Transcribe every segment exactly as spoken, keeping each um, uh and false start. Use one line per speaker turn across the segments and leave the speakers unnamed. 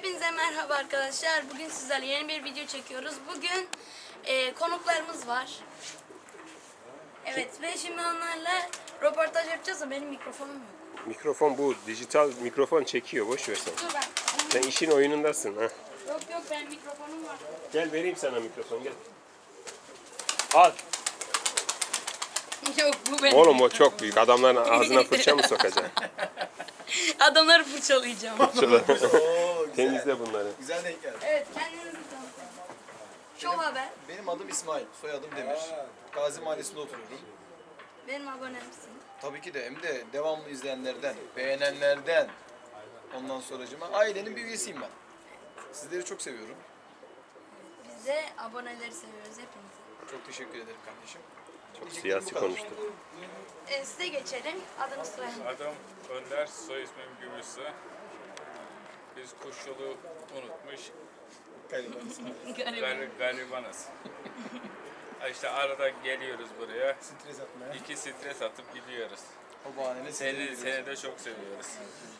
Hepinize merhaba arkadaşlar. Bugün sizlerle yeni bir video çekiyoruz. Bugün e, konuklarımız var. Evet ve şimdi onlarla röportaj yapacağız da benim mikrofonum yok.
Mikrofon bu. Dijital mikrofon çekiyor. Boş ver sen.
Dur ben.
Sen işin oyunundasın. Ha.
Yok yok benim mikrofonum var.
Gel vereyim sana mikrofon gel. Al.
Yok bu benim.
Oğlum o çok büyük. Adamların ağzına fırça mı sokacaksın?
Adamları fırçalayacağım.
Oo, güzel.
Temizle bunları.
Güzel denk geldi.
Evet kendinizi tanıtın. Şov haber.
Benim adım İsmail, soyadım Demir. Gazi Mahallesi'nde oturuyorum.
Benim abonemsin.
Tabii ki de hem de devamlı izleyenlerden, beğenenlerden. Ondan sonracıma ailenin bir üyesiyim ben. Sizleri çok seviyorum.
Biz de aboneleri seviyoruz hepinizi.
Çok teşekkür ederim kardeşim.
Çok
Diyeceklerim
siyasi
bu kadar.
konuştu.
E, size geçelim. Adınız soyadınız.
Adım Önder, soy ismim Gümüşsü. Biz kuş yolu unutmuş,
Garibanız.
gar garibanız. Ha İşte arada geliyoruz buraya,
Stres atmaya.
iki stres atıp gidiyoruz.
O bahaneyle
Seni,
seni
seni de çok seviyoruz.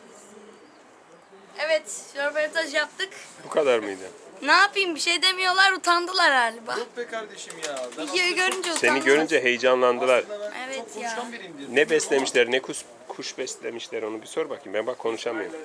Evet röportaj yaptık.
Bu kadar mıydı?
Ne yapayım bir şey demiyorlar utandılar galiba.
Yok be kardeşim ya. Ben
Videoyu
aslında çok-
görünce utandılar.
Seni görünce heyecanlandılar.
aslında ben
Evet
çok
ya.
konuşkan biriyim diye
Ne
düşünüyorum
beslemişler, ne kuş, kuş beslemişler onu bir sor bakayım. Ben bak konuşamıyorum.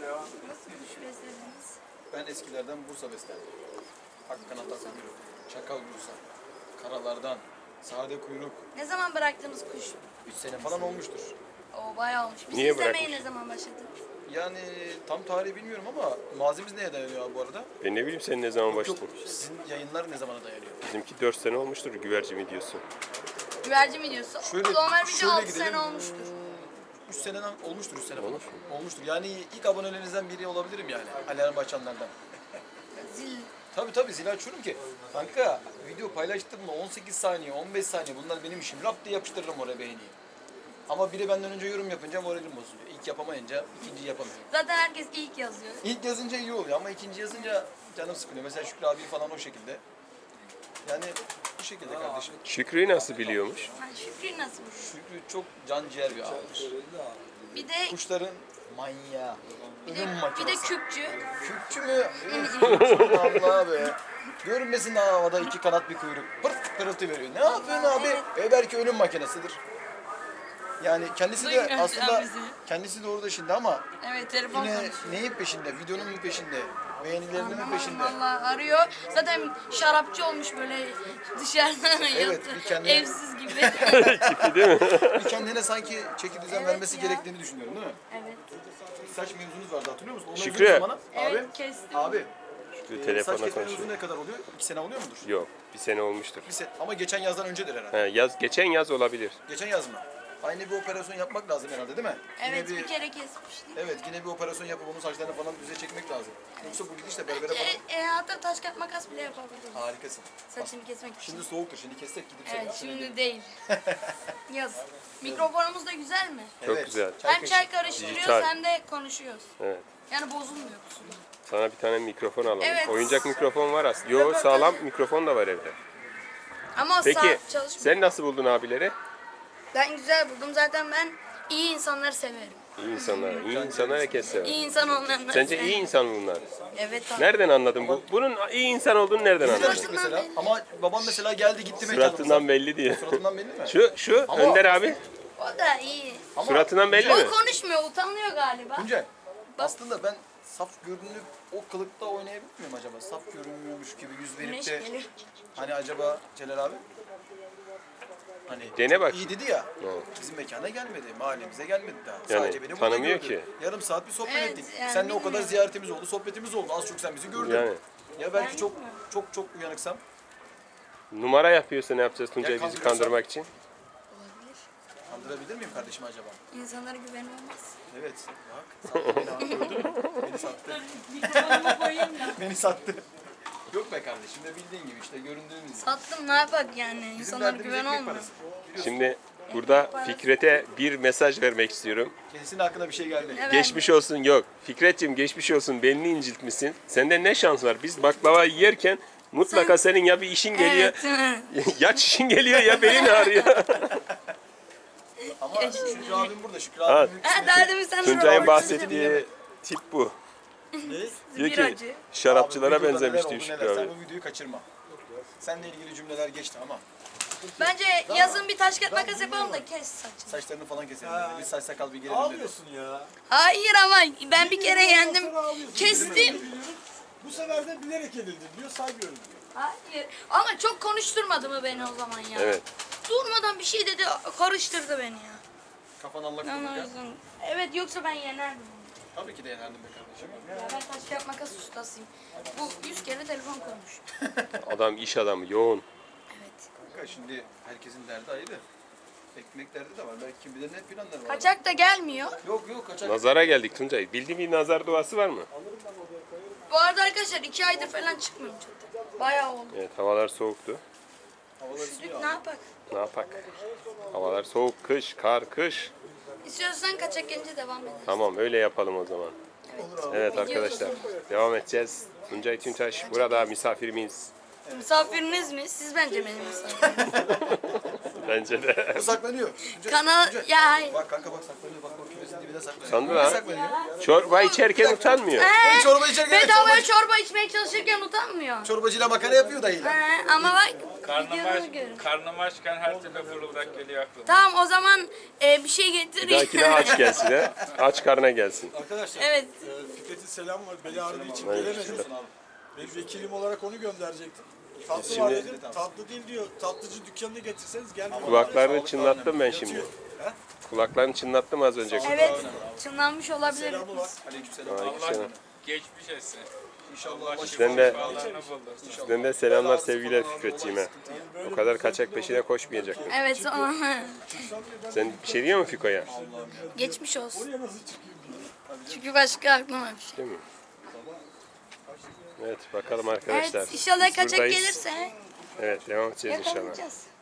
ama Ben eskilerden Bursa beslerdim. Hakkana takmıyorum. Çakal Bursa. Karalardan. Sade kuyruk.
Ne zaman bıraktınız kuş?
üç sene falan olmuştur.
O bayağı olmuş. Biz
Niye
izlemeye
bırakmış?
ne zaman başladınız?
Yani tam tarihi bilmiyorum ama malzememiz neye dayanıyor abi bu arada?
Ben ne bileyim sen ne zaman
Yok,
başladın?
sizin yayınlar ne zamana dayanıyor?
Bizimki dört sene olmuştur güvercin videosu.
Güvercin videosu.
Şöyle-
Normal video
şöyle
altı
gidelim.
sene olmuştur.
üç seneden olmuştur, üç sene falan.
Olmuş
Olmuştur. Yani ilk abonelerinizden biri olabilirim yani. Alarm açanlardan.
Zil.
Tabii tabii zil açıyorum ki. Kanka video paylaştım mı on sekiz saniye, on beş saniye bunlar benim işim. Rap diye yapıştırırım oraya beğeniyi. Ama biri benden önce yorum yapınca moralim bozuluyor. İlk yapamayınca ikinciyi yapamıyorum.
Zaten herkes ilk yazıyor.
İlk yazınca iyi oluyor ama ikinci yazınca canım sıkılıyor. Mesela Şükrü abi falan o şekilde. Yani bu şekilde kardeşim.
Şükrü'yü nasıl biliyormuş?
Ha, Şükrü nasıl?
Şükrü çok can ciğer bir abidir.
Bir de
Kuşların manyağı.
bir de,
Ölüm
bir de
makinesi.
küpçü.
Kürkçü mü? Allah be. Görünmesin havada iki kanat bir kuyruk. Pırt pırıltı veriyor. Ne yapıyorsun abi? E belki ölüm makinesidir. Yani kendisi de
Duymuyor
aslında
şu an bizi.
kendisi de orada şimdi ama
Evet telefon
yine
konuşuyor.
neyin peşinde? Videonun mu peşinde? Beğenilerinin mi peşinde?
Valla arıyor. Zaten şarapçı olmuş böyle dışarıdan
Evet,
yattı.
bir kendine-
Evsiz gibi.
Tipi değil mi?
Bir kendine sanki çeki düzen
Evet
vermesi
ya.
gerektiğini düşünüyorum değil mi?
Evet.
Saç mevzunuz vardı hatırlıyor musun? O mevzu
Şükrü.
ne zamana?
Evet
Abi.
kestim.
Abi.
Şükrü
e, saç
telefonla
kesme
konuşuyor.
mevzu ne kadar oluyor? İki sene oluyor mudur?
Yok bir sene olmuştur.
Bir sene. Ama geçen yazdan öncedir herhalde.
He, yaz, geçen yaz olabilir.
Geçen yaz mı? Aynı bir operasyon yapmak lazım herhalde değil mi?
Evet
Yine
bir kere kesmiştik.
Evet yine bir operasyon yapıp onun saçlarını falan düze çekmek lazım. Yoksa bu gidişle berbere falan
E, e, hatta taş kağıt makas bile yapabiliriz.
harikasın.
Saçını kesmek için.
Şimdi soğuktur şimdi kessek gidip
Evet
seni-
şimdi değil. Yaz. Mikrofonumuz da güzel mi?
Çok güzel.
Hem
kaşığı.
çay karıştırıyoruz
Dijital.
hem de konuşuyoruz.
Evet.
Yani bozulmuyor kusura.
Sana bir tane mikrofon alalım.
Evet.
Oyuncak mikrofon var aslında. Yo
Röportaj-
sağlam mikrofon da var evde.
Ama o
Peki
saat çalışmıyor.
sen nasıl buldun abileri?
Ben güzel buldum. Zaten ben iyi insanları severim.
İyi insanlar. İyi insanlar herkes sever.
İyi insan olmayanları
Sence
severim.
iyi insan mı bunlar?
Evet abi.
Nereden anladın bu? Bunun iyi insan olduğunu nereden anladın?
Tanıştık mesela. Ama babam mesela geldi gitti
Suratından belli diye.
Suratından belli mi?
Şu şu
Ama-
Önder abi.
O da iyi.
Ama
Suratından belli mi?
Tuncay,
O konuşmuyor, utanıyor galiba.
Tuncay, aslında ben saf görünüp o kılıkta oynayabilir miyim acaba? Saf görünmüyormuş gibi yüz verip
Güneş
de
geliyor.
hani acaba Celal abi? Hani
Dene bak.
iyi dedi ya.
Evet.
Bizim mekana gelmedi, mahallemize gelmedi daha.
Yani
Sadece beni burada
tanımıyor
gördü.
ki.
Yarım saat bir sohbet
Evet,
ettik.
yani
Seninle o kadar
bilmiyorum.
ziyaretimiz oldu, sohbetimiz oldu. Az çok sen bizi gördün.
Yani.
Ya belki
Ben
çok
bilmiyorum.
çok çok uyanıksam.
Numara yapıyorsa ne yapacağız Tuncay
Ya
bizi
kandırıyorsan?
kandırmak için?
Olabilir.
Kandırabilir miyim kardeşim acaba?
İnsanlara güven olmaz.
Evet. Bak. Sattı beni abi, gördün mü? Beni sattı.
Mikrofonumu koyayım da.
Beni sattı. Yok be kardeşim de bildiğin gibi işte göründüğün gibi.
Sattım ne yapak yani?
Bizim
İnsanlara
derdimiz
güven
ekmek
olmuyor.
parası.
Şimdi burada Fikret'e bir mesaj vermek istiyorum.
Kendisinin aklına bir şey geldi.
Evet.
Geçmiş olsun yok. Fikret'ciğim geçmiş olsun belini inciltmişsin. Sende ne şans var? Biz baklava yerken mutlaka senin ya bir işin geliyor.
Evet.
Ya çişin geliyor ya belin ağrıyor.
Ama Şükrü abim burada. Şükrü
Ha.
abim
Ha daha demin sen
Tuncay'ın
röportaj-
bahsettiği tip bu. Diyor
Bir
ki
acı.
şarapçılara
Abi, videoda
benzemiş
neler
diyor
oldu,
Şükrü
neler.
abi.
Sen bu videoyu kaçırma. Seninle ilgili cümleler geçti ama
Bence yazın bir taş kağıt makas yapalım da kes saçını.
saçlarını falan keselim.
Ha.
Dedi. Bir saç sakal bir gelelim dedi.
Ağlıyorsun ya.
Hayır ama ben bir kere yendim.
Sonra ağlıyorsun.
Kestim.
Biliyorum. Bu sefer de bilerek edildin diyor, saygıyorum diyor.
Hayır. Ama çok konuşturmadı mı beni o zaman ya?
Evet.
Durmadan bir şey dedi, karıştırdı beni ya.
Kafan allak
Ben o
bullak ya.
yüzden... Evet, yoksa ben yenerdim onu.
Tabii ki de yenerdim be kardeşim.
Ya ben taş kağıt makas ustasıyım. Bu yüz kere telefon koymuş.
Adam iş adamı yoğun.
Evet.
Kanka şimdi herkesin derdi ayrı. Ekmek derdi de var. Belki kim bilir ne planları var.
Kaçak da gelmiyor.
Yok yok kaçak.
Nazara geldik Tuncay. Bildiğin bir nazar duası var mı?
Bu arada arkadaşlar iki aydır falan çıkmıyorum çatıya. Bayağı oldu.
Evet, havalar soğuktu.
Havalar
Üşüdük,
ısınıyor
ne
abi.
yapak?
Ne yapak? Havalar soğuk, kış, kar, kış.
İstiyorsan kaçak gelince devam edelim.
Tamam, öyle yapalım o zaman. Evet
Video
arkadaşlar, devam edeceğiz. Tuncay Tüntaş burada misafirimiz.
Misafiriniz mi? Siz bence benim misafiriniz.
Bence de.
Bu saklanıyor. Önce-
Kanal...
önce-
Ya hayır.
Bak kanka bak saklanıyor. Bak bak kümesin dibine saklanıyor.
Sandı
Niye
lan.
saklanıyor?
Çorba içerken utanmıyor.
Ben çorba içerken evet,
Bedavaya
çorba,
çorba içmeye çalışırken utanmıyor.
çorbacıyla makara yapıyor dayı.
He, ama bak
Karnım aç,
videoları görün.
karnım açken her türlü fırıldak geliyor aklıma.
Tamam o zaman e, bir şey getir.
Bir dahakine aç gelsin ha. Aç karna gelsin.
Arkadaşlar,
Evet.
e, Fikret'in selam var. Beli ağrıdığı için
Aleykümselam.
gelemedi. Ben vekilim olarak onu gönderecektim. Tatlı
Şimdi-
var dedim. Tatlı değil diyor. Tatlıcı dükkanına getirseniz gelmiyor.
Kulaklarını çınlattım ben şimdi. Kulaklarını çınlattım az önce.
Evet. Çınlanmış olabilir.
Selamı var.
Aleykümselam.
Aleykümselam.
Geçmiş etsin.
İnşallah başı
Sizden de,
Şifalarını buldur.
sizden de selamlar sevgiler Fikretciğime. O kadar kaçak peşine koşmayacaktım.
Evet sonra
Sen bir şey diyor musun Fiko'ya?
geçmiş olsun.
Buraya nasıl çıkayım diyor.
Çünkü başka aklıma bir şey.
Değil mi? Evet bakalım arkadaşlar.
Evet inşallah
Biz
kaçak
buradayız.
gelirse
Evet devam edeceğiz inşallah.
yakalayacağız.